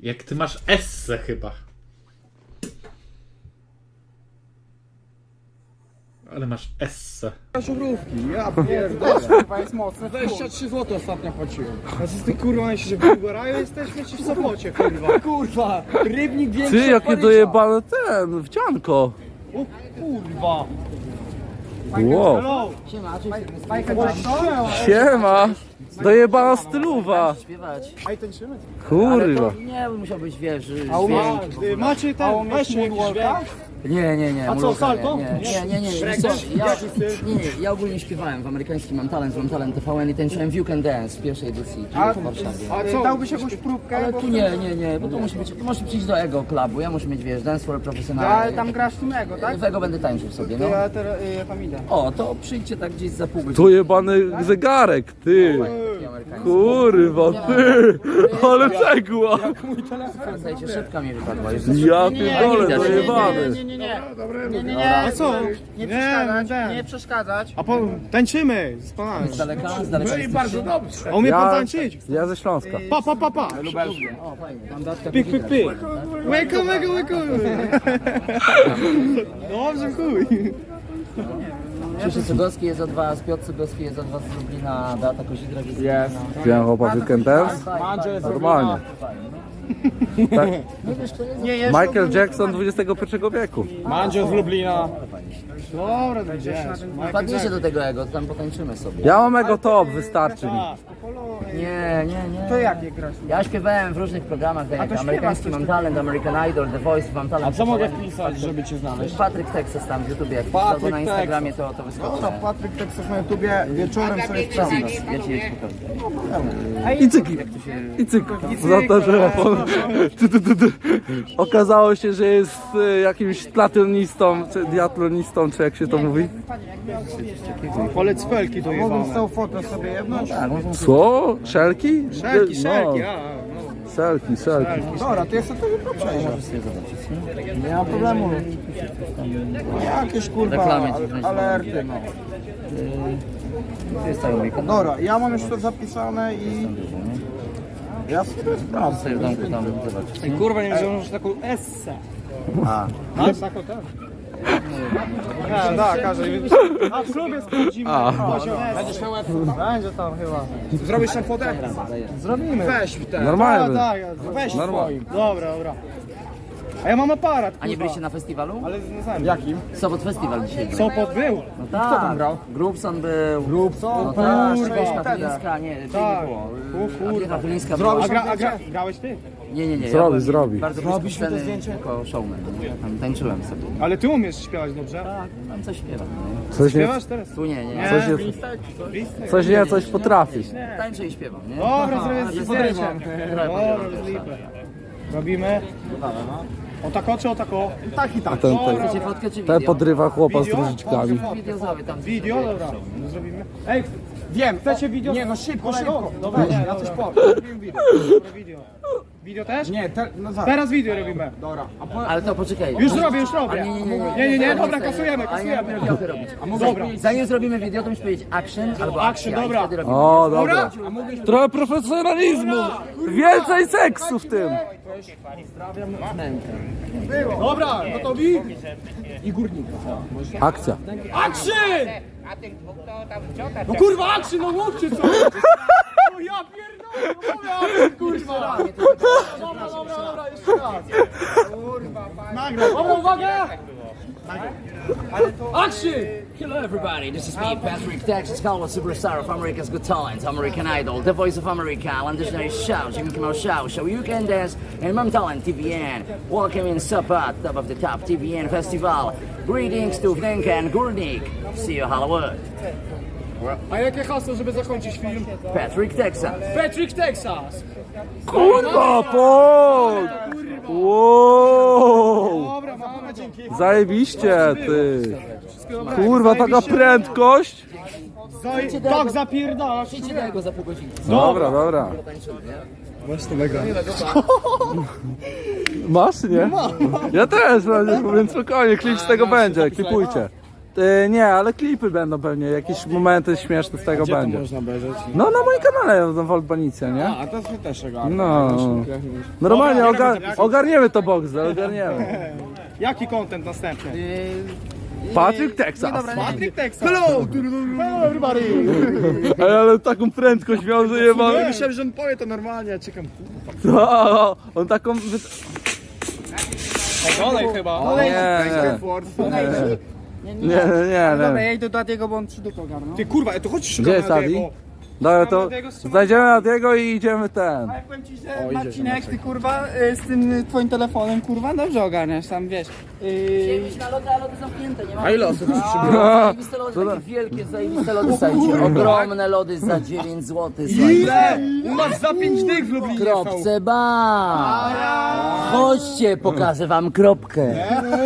Jak ty masz esse chyba. Ale masz esse. Żubrówki, ja pierdolę. Kurwa, jest mocny. 23 zł ostatnio płaciłem. A co ty kurwa myślisz, że w Bulgoraju jesteśmy czy w Sopocie kurwa? Kurwa, rybnik większy Ty, od jakie Paryża. dojebane ten, wdzianko. O kurwa. Wow. Hello. Siema, cześć. Siema. Dojebana styluwa. Śpiewać. Ej, tańczymy? Kurwa. Nie, musiałbyś, wiesz, Macie ten, weźcie jakiś dźwięk? Nie. A co, salto? Nie. Wiesz co, ja ogólnie śpiewałem w amerykańskim Mam Talent TVN i tańczyłem w You Can Dance w pierwszej edycji w Warszawie. A co? Dałbyś jakąś próbkę? Ale tu nie, bo to musi być, tu możesz przyjść do Ego Clubu, ja muszę mieć, wiesz, dance for profesjonalny. Ale tam grasz tym Ego, tak? W Ego będę tańczył sobie, no. Ja tam idę. O, to przyjdźcie tak gdzieś za pół godziny. Dojebany zegarek, ty. Taki amerykański. Kurwa, ty. Ale cegła. Słuchajcie, szybka mi wypadła. Już Ja pierdolę, dojebany. Nie. A co? Nie przeszkadzać. A tańczymy z panami. z daleka jesteście? Bardzo dobrze. A umie pan tańczyć? Ja ze Śląska. Pa. O, fajnie. Mandatka Pik. Łyko. Dobrze, chuj. Krzysztof Cugowski jest od was, Piotr Cugowski jest od was z Lublina, Beata Kozidra jest z Lublina. Wziąłem chłopak You Can Dance? Normalnie. Tak. Nie wiesz, kto jest? Michael Jackson XXI wieku. Mandzio z Lublina. Dobra, Wpadnijcie do tego Ego, tam potańczymy sobie. Ja mam ego top, wystarczy mi. Nie. To jakie grasz? Ja śpiewałem w różnych programach, tak jak amerykański Mam Talent, American Idol, The Voice, Mam Talent. A co mogę wpisać, żeby cię znaleźć? Patryk Texas tam w YouTubie, jak Patryk albo na Instagramie to wyskoczy. Patryk Texas na YouTubie wieczorem sobie sprawdzę. Ja ci pokażę. I cyk. Za to, że okazało się, że jest jakimś platonistą, czy diatlonistą, czy jak się to mówi. Polec felki to jest. Mogę z tą fotę sobie jednąć? Co? Szelki? Szelki, No, a. Szelki. Dobra, to jest to jutro przejrzę. Nie ma problemu. Jakieś kurwa Reklamie ci wręcz alerty, no. To jest cały mój kanał. Dobra, ja mam już to zapisane i... Ja sobie sprawdzę. Sobie w domku tam zobacz. Kurwa, nie wziąłem już taką essę. A, Masz taką też? Tak, każdy. A w klubie sprawdzimy. Będziesz miał Będzie tam chyba. Zrobisz tam fotę? Zrobimy. Weź ten. Normalny. Weź Normalny. swoim. Dobra. A ja mam aparat, a nie kurwa. byliście na festiwalu? Ale nie znam. Jakim? Sobot Festiwal dzisiaj był. Sopot był? No tak. Kto tam grał? Grubson był. Grubson? No tak, Kurwa. Agnieszka Tulińska, nie, tej Tak. nie było. O kurwa. Agnieszka Tulińska była. Grałeś ty? Nie. Zrobi. Bardzo blisko sceny jako showman. Nie? Tam tańczyłem sobie. Ale ty umiesz śpiewać dobrze? Tak, tam coś śpiewam. Nie? Coś nie, Śpiewasz teraz? Tu nie. coś potrafi. Tańczę i śpiewam, nie? Dobra, zrobię zdjęcie. Dobra, zlipę. Robimy. O tako czy o tako? Tak i tak. Ten Chcecie fotkę czy video? podrywa chłopa z Video? różyczkami. Video zrobię tam. Video? Dobra, zrobimy. Ej, wiem, chcecie video? Nie, no szybko. Dobra, nie, ja coś powiem. Robimy video. Dobra, video. Video też? Nie, teraz video robimy. Dobra. Ale to poczekaj. Już robię. Nie, dobra, A kasujemy. nie będę videokę robić. Dobra. Zanim zrobimy video, to musisz powiedzieć action albo Action, akcja. dobra. I wtedy robimy. O, dobra. Trochę profesjonalizmu. Więcej seksu w tym. Dobra, gotowi? Akcja. Action! No kurwa, action, no mówcie co? No ja pierdolę, no mówię action, kurwa. Dobra, jeszcze raz. Kurwa, nagraj. Dobra, uwaga! Action! Hello everybody, this is me, Patrick Texas, call superstar of America's Got Talent, American Idol, The Voice of America, and this is show, Jimmy Kimmel Show, You Can Dance, and Mam Talent TVN. Welcome in Sopat, top of the top TVN Festival. Greetings to Wdenka and Górnik. See you Hollywood. A jakie hasło, żeby zakończyć film? Patrick Texas. Patrick Texas! Kurwa, pod! Wow! Dobra, mamy, dzięki. Zajebiście, ty. Kurwa, taka prędkość. Tak zapierdalasz. Idźcie do jego za pół godziny. Dobra. Masz, nie? Ja też, więc spokojnie, klip z tego będzie, klipujcie. Nie, ale klipy będą pewnie, jakieś momenty śmieszne z tego Gdzie to będzie. można obejrzeć? No na moim kanale, w Wolbanicja, nie? A to my też ogarniemy. No. Normalnie ogarniemy to Boxdel, ogarniemy. Jaki content następny? Patryk Texas. Patryk Texas. Hello! Hello everybody! Ej, ale taką prędkość miał, że je ma... Ja myślałem, że on powie to normalnie, ja czekam. No, on taką... Dolej chyba. Nie. Dobra, ja idę do Adiego, bo on przy dupę ogarnął. Ty kurwa, to chodź Gdzie szukamy jest Adi? Adiego. Dobra, to znajdziemy Adiego i idziemy ten. Ale powiem ci, że Marcinek, ty kurwa, z tym twoim telefonem, kurwa, dobrze ogarniasz, tam wiesz. Iść na lody, a lody zamknięte, nie ma. A ile osób już Zajebiste lody, takie wielkie, zajebiste lody, słuchajcie. Ogromne lody za 9 zł, słuchajcie. U nas za 5 dych w Lublinie są. Kropce ba! Chodźcie, pokażę wam kropkę.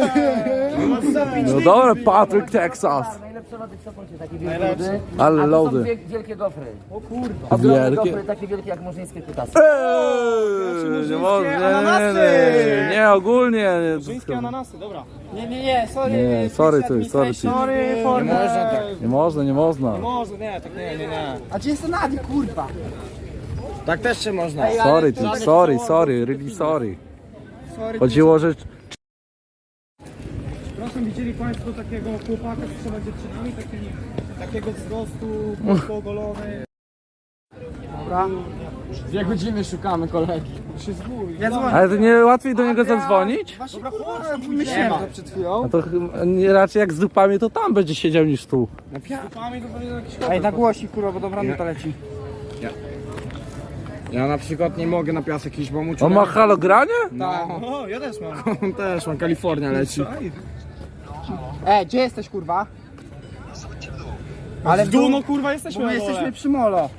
No dobra, Patryk Texas. Najlepsze lody w Sopocie, takie wielkie lody. Ale A to są lody. wielkie gofry. O kurde. Ogromne Wielkie? gofry, takie wielkie jak murzyńskie kutasy. Nie można, nie, ogólnie. Żyńskie ananasy, dobra. Nie, sorry. Nie, sorry ty. Sorry for Nie można tak. Nie można. Może, nie, tak nie. A gdzie jest ten Adi, kurwa? Tak też się można. Sorry ty, sorry, really sorry. Sorry. Chodziło, że... Proszę, widzieli Państwo takiego chłopaka z 3 dziewczynami, takiego wzrostu, płotko ogolony. Dobra. 2 godziny szukamy kolegi. Ja dzwonię. Ale to nie łatwiej do niego zadzwonić? Właśnie kurwa, myślałem to przed chwilą. A to nie, raczej jak z dupami to tam będzie siedział niż tu. Chłopami to będzie jakiś Ej, na głosi, kurwa, bo dobra nuta leci. Ja na przykład nie mogę na piasek iść, bo muszę... On ma halogranie? No, ja też mam. Też mam, Kalifornia leci. Gdzie jesteś, kurwa? Ale w dół, no kurwa, Bo jesteśmy my na dole. jesteśmy przy molo.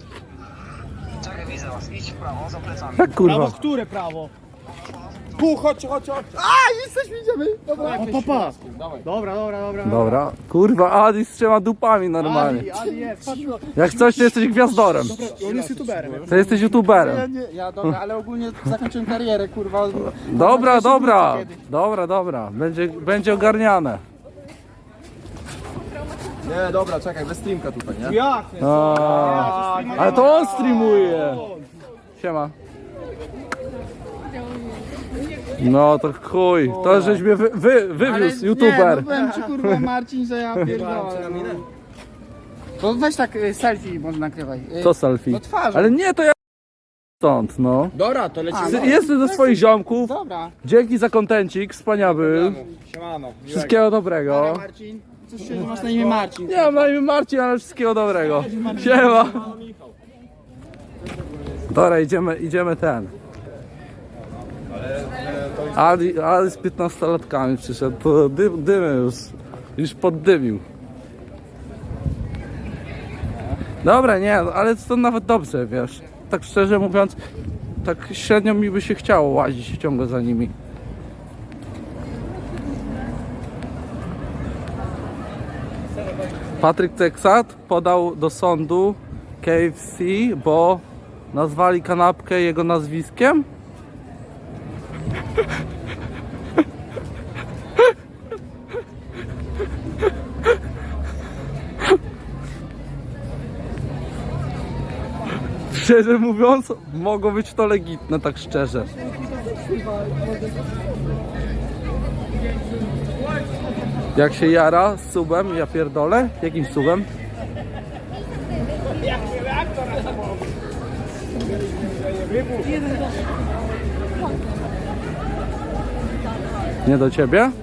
Jak Prawo, kurwa? które prawo? Tu, chodź. Jesteśmy, idziemy. Dobra. Papa. Dobra. Dobra. Kurwa, Adi z 3 dupami normalnie. Adi jest, patrz. Jak coś, to jesteś gwiazdorem. On jest youtuberem. To jesteś youtuberem. Dobra, ale ogólnie zakończyłem karierę, kurwa. Dobra. Będzie ogarniane. Nie, dobra, czekaj, bez streamka tutaj, nie? Jak? Ale to on streamuje. Siema. No to chuj, to żeś mnie wywiózł, youtuber. Nie, no powiem ci, kurwa, Marcin, że ja pierdolę. To weź tak selfie może nakrywaj. Co selfie? No twarzą. Ale nie, to ja stąd, no. Dobra, to lecimy. Jestem ze swoich ziomków. Dobra. Dzięki za kontencik, wspaniały. Siemano. Wszystkiego dobrego. Marcin, coś się masz na imię Marcin. Nie mam na imię Marcin, ale wszystkiego dobrego. Siema. Dobra, idziemy ten. Ali z 15-latkami przyszedł, to dymy już poddymił. Dobra, nie, ale to nawet dobrze, wiesz. Tak szczerze mówiąc, tak średnio mi by się chciało łazić ciągle za nimi. Patryk Texas podał do sądu KFC, bo nazwali kanapkę jego nazwiskiem. Szczerze mówiąc, mogło być to legitne, tak szczerze. Jak się jara z subem, ja pierdolę? Jakim subem? Nie do ciebie?